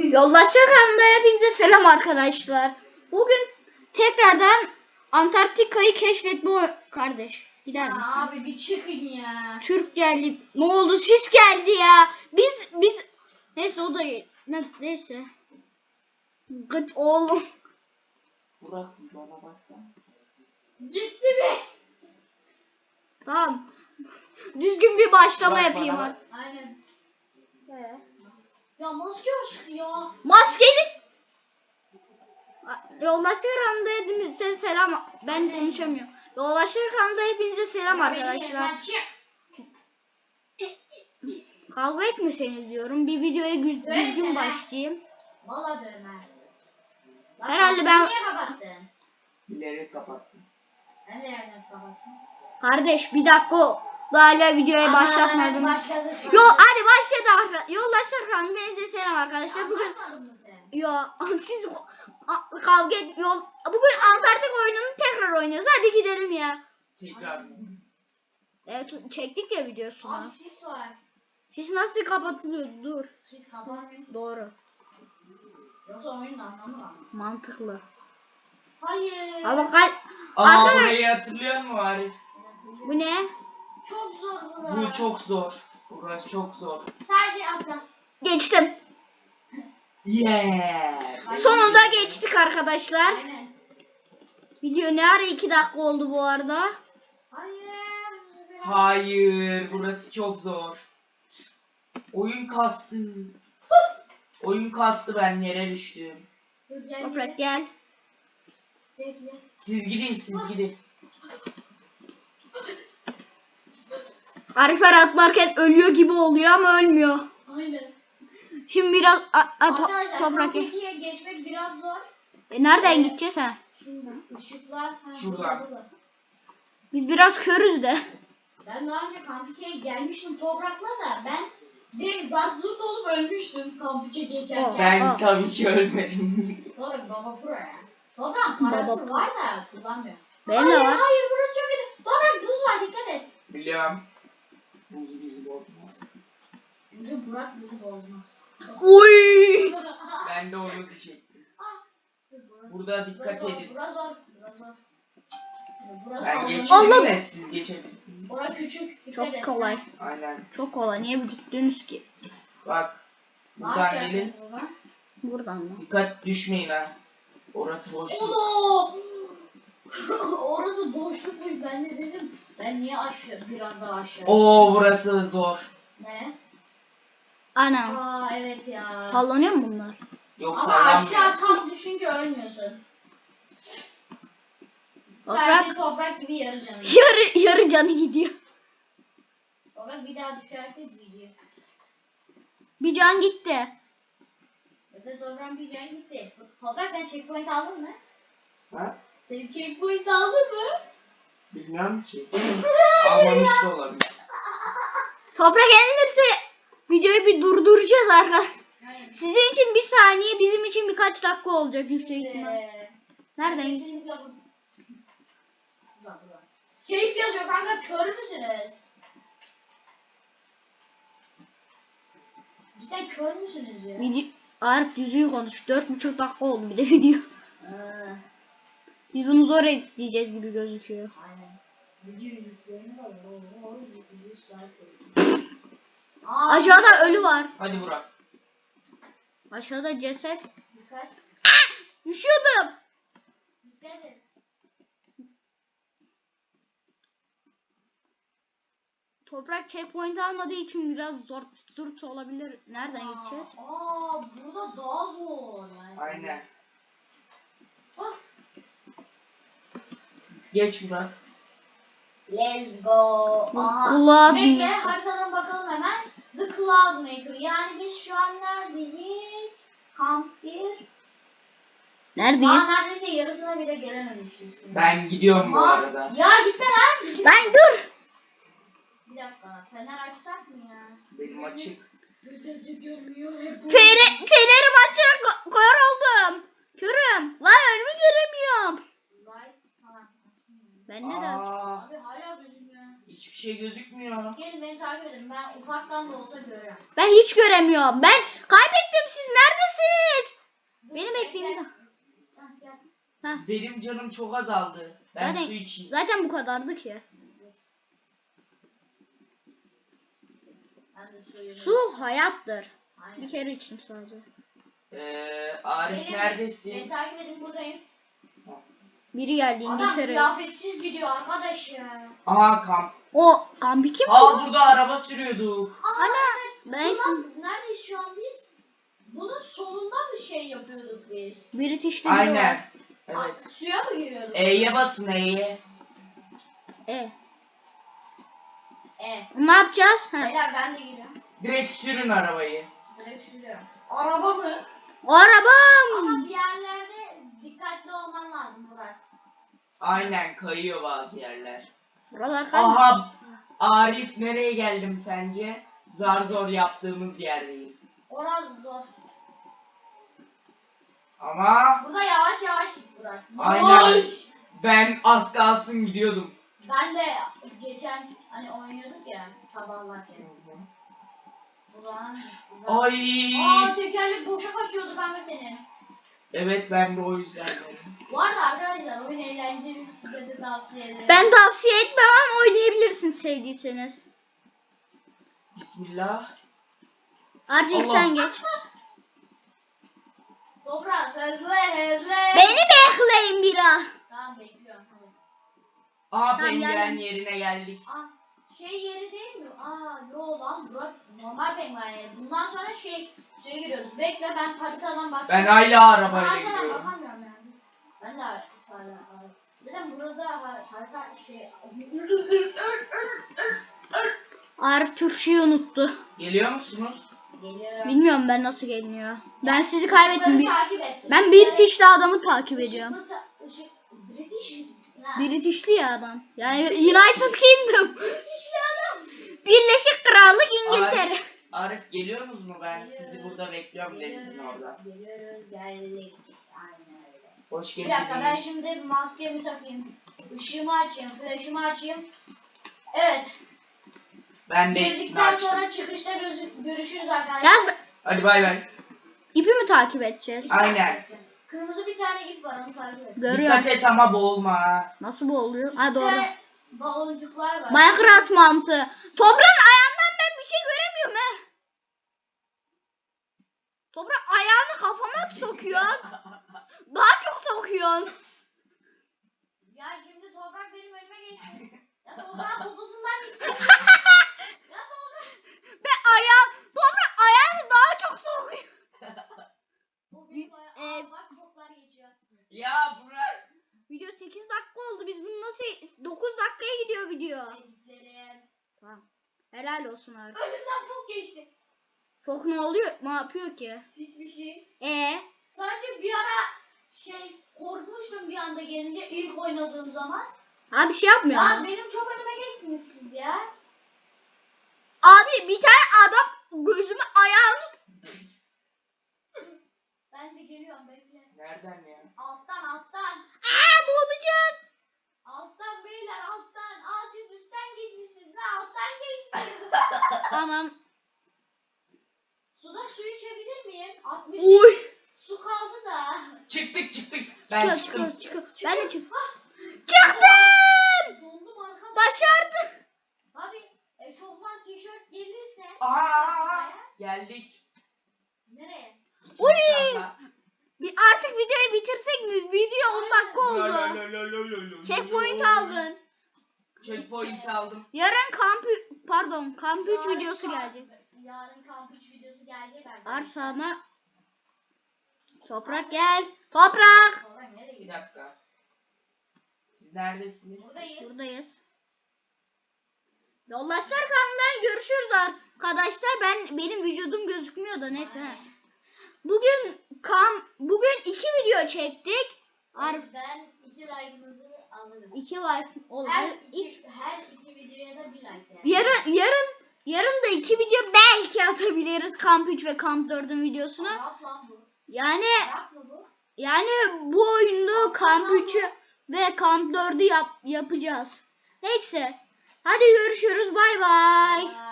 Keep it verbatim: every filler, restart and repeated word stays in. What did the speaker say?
Yoldaşlar kanalına hepinize selam arkadaşlar. Bugün tekrardan Antarktika'yı keşfetme kardeş. Gider misin? Ya abi bir çıkın ya. Türk geldi. Ne oldu? Sis geldi ya. Biz biz neyse o da ne, neyse. Gıt oğlum. Burak bana baksana. Gitti mi? Tamam. Düzgün bir başlama Bak yapayım bana. artık. Aynen. He. Ya maske açtı ya. Maskeli. Yoldaşlar kanalında hepinize selam. Ben konuşamıyorum. Yoldaşlar kanalında hepinize selam arkadaşlar. Sen çık. Kavga etmeseniz diyorum. Bir videoya güz- Döverim düzgün seni. başlayayım. Valla dövme. Lan Herhalde maskeni ben- niye kapattın? Bilerek kapattım. Ben de yerden kapattım. Kardeş bir dakika. Daha hala videoya Aman, başlatmadım. başladık. Yo hadi başladı arkadaşlar. Yoldaşlar kanalında hepinize selam arkadaşlar. Bugün Anlatmadın mı sen? yo siz a- kavga et yol. Bugün Antarktika oyununu tekrar oynuyoruz. Hadi gidelim ya. Tekrar. Evet çektik ya videosunu. Abi sis var. Siz nasıl kapatılıyor? Dur. Sis kapanmıyor. Doğru. Yoksa oyunun anlamı var. Mantıklı. Hayır. Ama kal Aa Arkadaş- burayı hatırlıyor musun Arif? bu ne? Çok zor bura. Bu çok zor. Burası çok zor. Sadece atla. Geçtim. Yeah. Sonunda geçtik arkadaşlar. Aynen. Video ne ara iki dakika oldu bu arada. Hayır. Hayır, burası çok zor. Oyun kastı. Oyun kastı, ben yere düştüm. Dur, gel, Toprak gel. gel. Bekle. Siz gidin, siz gidin. Arifer atlarken ölüyor gibi oluyor ama ölmüyor. Aynen. Şimdi biraz a, a, to- Arkadaşlar toprak gel. Kampeki'ye geçmek biraz zor. E, nereden gideceğiz ha? Şimdi ışıklar. ha, Şuradan. burada, burada. Biz biraz körüz de. Ben daha önce Kampeki'ye gelmiştim toprakla da ben direkt zart zurt olup ölmüştüm Kampike geçerken. Ben Aa. tabii ki ölmedim. Toprak baba pro ya. Toprak parası Baba pro. var da kullanmıyor. Benim de hayır, var. Hayır burası çok kötü. Toprak buz var dikkat et. Biliyorum. Buz bizi bozmaz. Bence Burak bizi bozmaz. Uy. Ben de onu diyecektim. Burası- Burada dikkat burası zor, edin. Burası zor. Burası zor. Burası Ben sallanıyor. geçtim Allah- de siz geçebildiniz. Burası küçük. Dikkat Çok et. kolay. Aynen. Çok kolay. Niye gittiniz ki? Bak. Ne Buradan yapacağız gelin. burada? Buradan mı? Dikkat düşmeyin ha. Orası boşluk. Oğlum! Orası boşlukmuş ben de dedim. Ben niye aşağı biraz daha aşağı? Oo burası zor. Ne? Anam. Aa evet ya. Sallanıyor mu bunlar? Yok Ama sallanmıyor. aşağı tam düşünce ölmüyorsun. Toprak. Sadece toprak gibi yarı canı. Yarı, yarı canı gidiyor. Toprak bir daha düşerse G G. Bir can gitti. Zaten toprak bir can gitti. Toprak sen checkpoint aldın mı? Ha? Sen checkpoint aldın mı? Bilmiyorum ki. Almamış da olabilir. Toprak yenilirse videoyu bir durduracağız arkadaşlar. Hayır. Sizin için bir saniye, bizim için birkaç dakika olacak yüksek ihtimal. Ee, Nereden ben gideceğiz? kesinlikle bu- Buradan, buradan. Safe yazıyor kanka kör müsünüz? Cidden kör müsünüz ya? Video... Arif düzgün konuş. Dört buçuk dakika oldu bir de video. Ee, Biz bunu zor editleyeceğiz gibi gözüküyor. aynen. Video yüklerini var. Oo, yüz saat koyuyor. Aa, Aşağıda ölü var. Hadi Burak. Aşağıda ceset. Dikkat. Düşüyordum. Dikkat et. Toprak checkpoint almadığı için biraz zor zurt olabilir. Nereden gideceğiz? Aa, burada daha zor yani. Aynen. Bak. Geç Burak. Let's go. Bu Aha. Cloud Bekle Maker. haritadan bakalım hemen. The Cloud Maker. Yani biz şu an neredeyiz? Kamp bir. Neredeyiz? Daha neredeyse yarısına bile gelememişiz. Ben gidiyorum bu Aa, arada. Ya gitme lan. Gitme. Ben dur. Bir dakika. Fener açsak mı ya? Benim açık. Gözü görmüyor. Fere, fenerim açık ko- kör oldum. Körüm. Lan önümü göremiyorum. Light. Tamam. Ben ne de Aa, Abi hala gözükmüyor. hiçbir şey gözükmüyor. Gelin beni takip edin. Ben ufaktan da olsa görüyorum. Ben hiç göremiyorum. Ben kaybettim. Siz neredesiniz? Benim canım çok azaldı. Ben Zaten- su içeyim. Zaten bu kadardı ki. Ben de suyumu- Su hayattır. Aynen. Bir kere içtim sadece. Ee, Arif Gelin, neredesin? Beni takip edin, buradayım. Biri geldi Adam İngiltere. kıyafetsiz gidiyor arkadaş ya. Aa kamp. O Gambiki mi? Aa burada araba sürüyorduk. Aa, Ana, evet. ben- Ulan, neredeyiz şu an biz? Bunun sonunda mı şey yapıyorduk biz? British'te biri Aynen. var. Evet. Aa, suya mı giriyorduk? E'ye basın E'ye. E. E. Ne yapacağız? Ha. Beyler ben de giriyorum. Direkt sürün arabayı. Direkt sürüyorum. Araba mı? O arabam. Ama bir yerlerde dikkatli olman lazım Burak. Aynen kayıyor bazı yerler. Buralar kaydı. Aha Arif nereye geldim sence? Zar zor yaptığımız yerdeyim. Orası zor. Ama Burada yavaş yavaş git Burak. aynen Yavaş. ben az kalsın gidiyordum. Ben de geçen hani oynuyorduk ya sabahlarken. Burak'ın... Burak... Ay. Aa tekerlek boşa kaçıyordu kanka senin. Evet ben de o yüzden dedim. Bu arada arkadaşlar oyun eğlenceli, size de tavsiye ederim. Ben tavsiye etmem ama oynayabilirsin sevdiyseniz. Bismillah. Artık Allah. sen geç. Toprak hızlı hızlı. Beni bekleyin bira. Tamam bekliyorum hadi. Aha Tamam, penguen geldim. yerine geldik. Aa şey yeri değil mi? Aa yo lan Burak normal penguen yeri. Bundan sonra şey suya giriyoruz. Bekle ben haritadan bak. Ben hala arabayla Haritadan gidiyorum. bakamıyorum yani. Ben de hala hala. Dedim burada har- harita şey. Arif Türkçeyi unuttu. Geliyor musunuz? Geliyorum. Bilmiyorum ben nasıl geliniyor. Ben sizi kaybettim. Işıkları takip et. Ben Işıkları- British'li adamı takip ediyorum. Işıklı ta- ışık British. Ha. British'li ya adam. Yani United Kingdom. British'li adam. Birleşik Krallık İngiltere. Arif, Arif geliyorsunuz mu? Ben sizi Geliyoruz. burada bekliyorum denizin Geliyoruz, orada. Geliyoruz, geldik. Aynen öyle. Hoş Bir geldiniz. dakika ben şimdi maskemi takayım. Işığımı açayım, flaşımı açayım. Evet. Ben de hepsini Girdikten açtım. sonra çıkışta gözü- görüşürüz arkadaşlar. Ya Hadi bay bay. ipi mi takip edeceğiz? Aynen. Kırmızı bir tane ip var onu takip et. Görüyorum. Dikkat et ama boğulma ha. Nasıl bu oluyor? Ha doğru. İşte baloncuklar var. Minecraft mantığı. Toprağın ayağından ben bir şey göremiyorum he. Toprak ayağını kafama sokuyor. Daha çok sokuyorsun. Ya şimdi toprak benim önüme geçti. Ya toprağın poposundan gitti. Ya toprak. Ve ayağım, toprak ayağını daha çok sokuyor. O benim ayağım. Ee, Aa, bak çoklar geçiyor. Ya Burak. Video sekiz dakika oldu. Biz bunu nasıl dokuz dakikaya gidiyor video. Eziklerim. Tamam. Helal olsun abi. Önümden çok geçti. Fok ne oluyor? Ne yapıyor ki? Hiçbir şey. E Sadece bir ara şey korkmuştum bir anda gelince ilk oynadığım zaman. abi bir şey yapmıyor. Ya ama. benim çok önüme geçtiniz siz ya. Abi bir tane adam gözümü ayağını Ben de geliyorum bekle. Nereden ya? Alttan alttan. Aa boğulacağız. Alttan beyler alttan. Aa siz üstten geçmişsiniz. Ben alttan geçtim. Tamam. Suda su içebilir miyim? altmış Uy. su kaldı da. Çıktık çıktık. Ben Çıkıyor çıktım. çıkıyor çıkıyor. Ben de çık. Ah, Çıktım. dondum arkadaşlar. Başardım. Abi eşofman tişört gelirse. Aa, geldik. Nereye? İkinci Uy. kampa. Bir artık videoyu bitirsek mi? Video on dakika oldu. Checkpoint aldın. Checkpoint aldım. Yarın kamp pardon kamp üç Yarın videosu kamp- gelecek. Yarın kamp üç videosu gelecek arkadaşlar. Arsama. Toprak gel. Toprak. Sonra nereye Bir gidiyor? dakika. Siz neredesiniz? Buradayız. Buradayız. Yoldaşlar kanalından görüşürüz arkadaşlar. Ben benim vücudum gözükmüyor da neyse. he. Bugün kam bugün iki video çektik. Arif Ben iki like'ınızı alırız. iki like oldu. Her İlk- iki, her iki videoya da bir like yani. yarın yarın yarın da iki video belki atabiliriz kamp üç ve kamp dördün videosunu. Arap lan bu. Yani Arap mı bu? yani bu oyunda kamp üçü ve kamp dördü yap, yapacağız. Neyse. Hadi görüşürüz. Bay bay. Aa.